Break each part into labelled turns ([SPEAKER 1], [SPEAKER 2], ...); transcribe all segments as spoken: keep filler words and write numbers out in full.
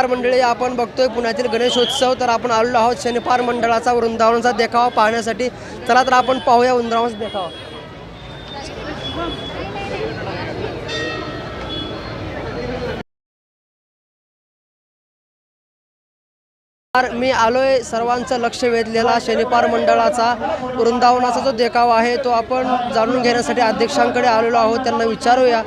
[SPEAKER 1] मंडळी आपण बघतोय पुण्यातील गणेशोत्सव, तर आपण आलेलो आहोत शनिपार मंडळाचा वृंदावनाचा देखावा पाहण्यासाठी। चला तर आपण पाहूया वृंदावनाचा देखावा। मी आलोय सर्वांचं लक्ष वेधलेला शनिपार मंडळाचा वृंदावनाचा जो देखावा आहे तो आपण जाणून घेण्यासाठी अध्यक्षांकडे आलेलो आहोत, त्यांना विचारूया।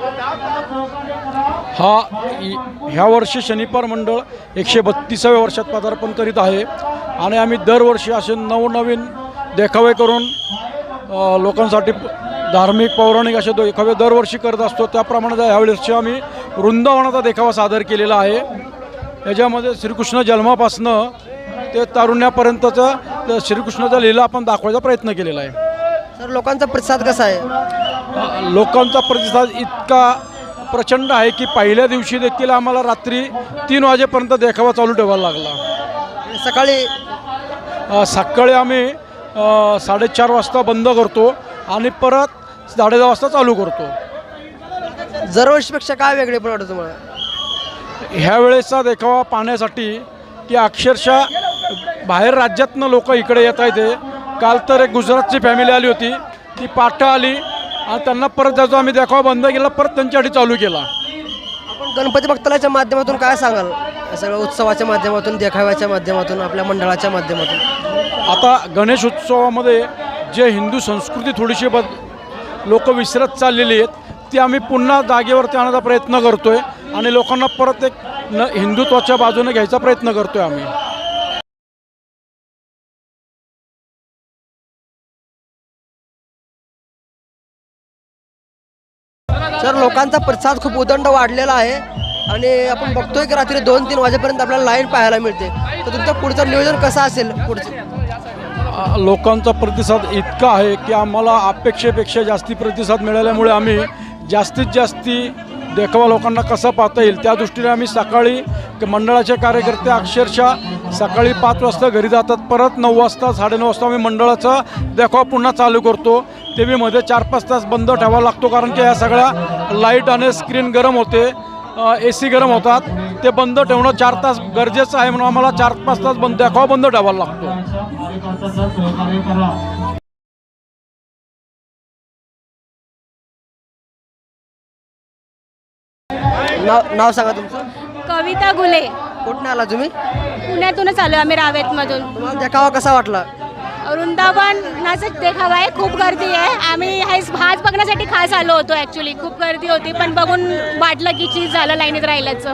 [SPEAKER 2] हा ह्या वर्षी शनिपार मंडळ एकशे बत्तीसाव्या वर्षात पदार्पण करीत आहे आणि आम्ही दरवर्षी असे नवनवीन देखावे करून लोकांसाठी धार्मिक पौराणिक असे देखावे दरवर्षी करत असतो। त्याप्रमाणे ह्यावेळेस आम्ही वृंदावनाचा देखावा सादर केलेला आहे। याच्यामध्ये श्रीकृष्ण जन्मापासनं ते तारुण्यापर्यंतचा श्रीकृष्णाचा लीला आपण दाखवायचा प्रयत्न केलेला आहे।
[SPEAKER 1] सर, लोकांचा प्रतिसाद कसा आहे?
[SPEAKER 2] लोकांचा प्रतिसाद इतका प्रचंड आहे की पहिल्या दिवशी देखील आम्हाला रात्री तीन वाजेपर्यंत देखावा चालू ठेवायला लागला।
[SPEAKER 1] सकाळी
[SPEAKER 2] सकाळी आम्ही साडेचार वाजता बंद करतो आणि परत साडे दहा वाजता चालू करतो।
[SPEAKER 1] दरवर्षीपेक्षा काय वेगळे पण वाटतं तुम्हाला?
[SPEAKER 2] ह्या वेळेचा देखावा पाहण्यासाठी की अक्षरशः बाहेर राज्यातनं लोक इकडे येत आहेत। काल तर एक गुजरातची फॅमिली आली होती, ती पाठं आली आणि त्यांना परत जायचो आम्ही देखावा बंद केला, परत त्यांच्यासाठी चालू केला।
[SPEAKER 1] आपण गणपती भक्तालाच्या माध्यमातून काय सांगाल? सगळं उत्सवाच्या माध्यमातून, देखाव्याच्या माध्यमातून, आपल्या मंडळाच्या माध्यमातून?
[SPEAKER 2] आता गणेश उत्सवामध्ये जे हिंदू संस्कृती थोडीशी बद लोक विसरत चाललेली आहेत ती आम्ही पुन्हा जागेवरती आणण्याचा प्रयत्न करतो आहे आणि लोकांना परत एक न हिंदुत्वाच्या बाजूने घ्यायचा प्रयत्न करतो आहे आम्ही।
[SPEAKER 1] सर, लोकांचा प्रतिसाद खूप उदंड वाढलेला आहे आणि आपण बघतोय की रात्री दोन तीन वाजेपर्यंत आपल्याला लाईन पाहायला मिळते, तर तुमचं पुढचं नियोजन कसं असेल? पुढचं
[SPEAKER 2] लोकांचा प्रतिसाद इतका आहे की आम्हाला अपेक्षेपेक्षा जास्ती प्रतिसाद मिळाल्यामुळे आम्ही जास्तीत जास्ती देखावा लोकांना कसा पाहता येईल त्या दृष्टीने आम्ही सकाळी मंडळाचे कार्यकर्ते अक्षरशः सकाळी पाच वाजता घरी जातात, परत नऊ वाजता साडेनऊ वाजता आम्ही मंडळाचा देखावा पुन्हा चालू करतो। ते बी मध्ये चार पाच तास बंद ठेवावा लागतो, कारण की ह्या सगळ्या लाईट आणि स्क्रीन गरम होते, ए सी गरम होतात, ते बंद ठेवणं चार तास गरजेचं आहे, म्हणून आम्हाला चार पाच तास बंद देखावा बंद ठेवायला लागतो।
[SPEAKER 1] नाव नाव सांगा तुमचं?
[SPEAKER 3] कविता गुले।
[SPEAKER 1] कुठून आला तुम्ही?
[SPEAKER 3] पुण्यातूनच आलो आम्ही, रावेतमधून।
[SPEAKER 1] तुम्हाला देखावा कसा वाटला?
[SPEAKER 3] वृंदावनाचा देखावा आहे, खूप गर्दी आहे। आम्ही हाच हाच बघण्यासाठी खास आलो होतो। ॲक्च्युली खूप गर्दी होती, पण बघून वाटलं की चीज झालं लाईनीत राहिल्याचं।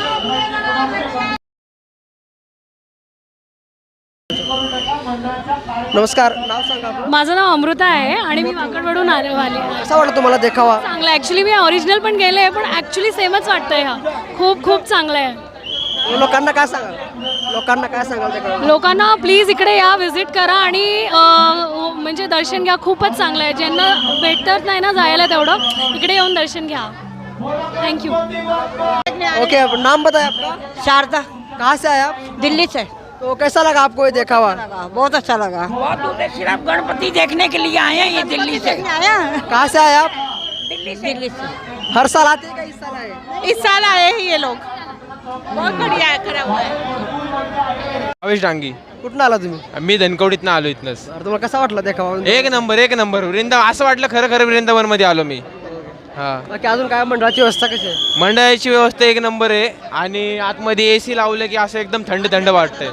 [SPEAKER 1] नमस्कार, नाव सांगा आपलं?
[SPEAKER 4] माझं नाव अमृता आहे आणि मी वाकडवडून आले आले
[SPEAKER 1] कसा वाटला तुम्हाला देखावा?
[SPEAKER 4] चांगला आहे ॲक्च्युली। मी ओरिजिनल पण गेले आहे, पण ॲक्च्युली सेमच वाटतंय। हा खूप खूप चांगला आहे।
[SPEAKER 1] लोकांना काय सांगाल? लोकांना काय सांगाल देखावा?
[SPEAKER 4] लोकांना प्लीज इकडे या, व्हिजिट करा आणि अं, म्हणजे दर्शन घ्या। खूपच चांगलं आहे। ज्यांना भेटत नाही ना जायला तेवढं, इकडे येऊन दर्शन घ्या। थँक्यू।
[SPEAKER 1] ओके, नाम बताए आपका?
[SPEAKER 5] शारदा।
[SPEAKER 1] कहाँ से आए आप?
[SPEAKER 5] दिल्ली से।
[SPEAKER 1] तो कैसा लगा आपको ये देखावा?
[SPEAKER 5] बहुत अच्छा लगा।
[SPEAKER 6] बहुत दूर से सिर्फ गणपति देखने के लिए आए हैं ये दिल्ली से।
[SPEAKER 5] आया
[SPEAKER 1] कहाँ से आए आप?
[SPEAKER 6] दिल्ली से
[SPEAKER 5] दिल्ली से
[SPEAKER 1] हर साल आते हैं क्या इस साल आए?
[SPEAKER 5] इस साल आए हैं ये लोग। बहुत बढ़िया है, खरा हुआ है।
[SPEAKER 7] अवेश डांगी।
[SPEAKER 1] कुठून आला तुम्ही?
[SPEAKER 7] मी धनकवडीतनं आलो इथनंच।
[SPEAKER 1] अरे तुम्हाला कसा वाटला देखावा?
[SPEAKER 7] एक नंबर एक नंबर वृंदावन असं वाटलं खरं खरं वृंदावन मध्ये आलो मी। हा,
[SPEAKER 1] बाकी अजून काय मंडळाची व्यवस्था कशी आहे?
[SPEAKER 7] मंडळाची व्यवस्था एक नंबर आहे आणि आतमध्ये ए सी लावलं की असं एकदम थंड थंड वाटतंय।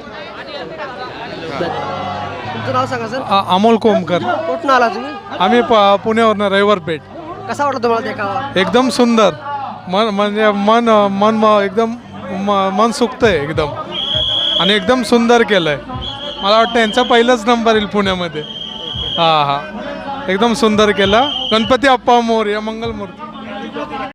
[SPEAKER 1] तुमचं नाव सांगा सर?
[SPEAKER 8] अमोल कोमकर।
[SPEAKER 1] कुठून आला तुम्ही?
[SPEAKER 8] आम्ही पुण्यावरनं रविवारपेठ।
[SPEAKER 1] कसा वाटला तुम्हाला देखावा?
[SPEAKER 8] एकदम सुंदर, मन म्हणजे मन मन म- एकदम म- मन सुकतंय एकदम आणि एकदम सुंदर केलंय। मला वाटतं यांचा पहिलाच नंबर येईल पुण्यामध्ये। हां हां, एकदम सुंदर केला। गणपती अप्पा मोरया, मंगलमूर्ती।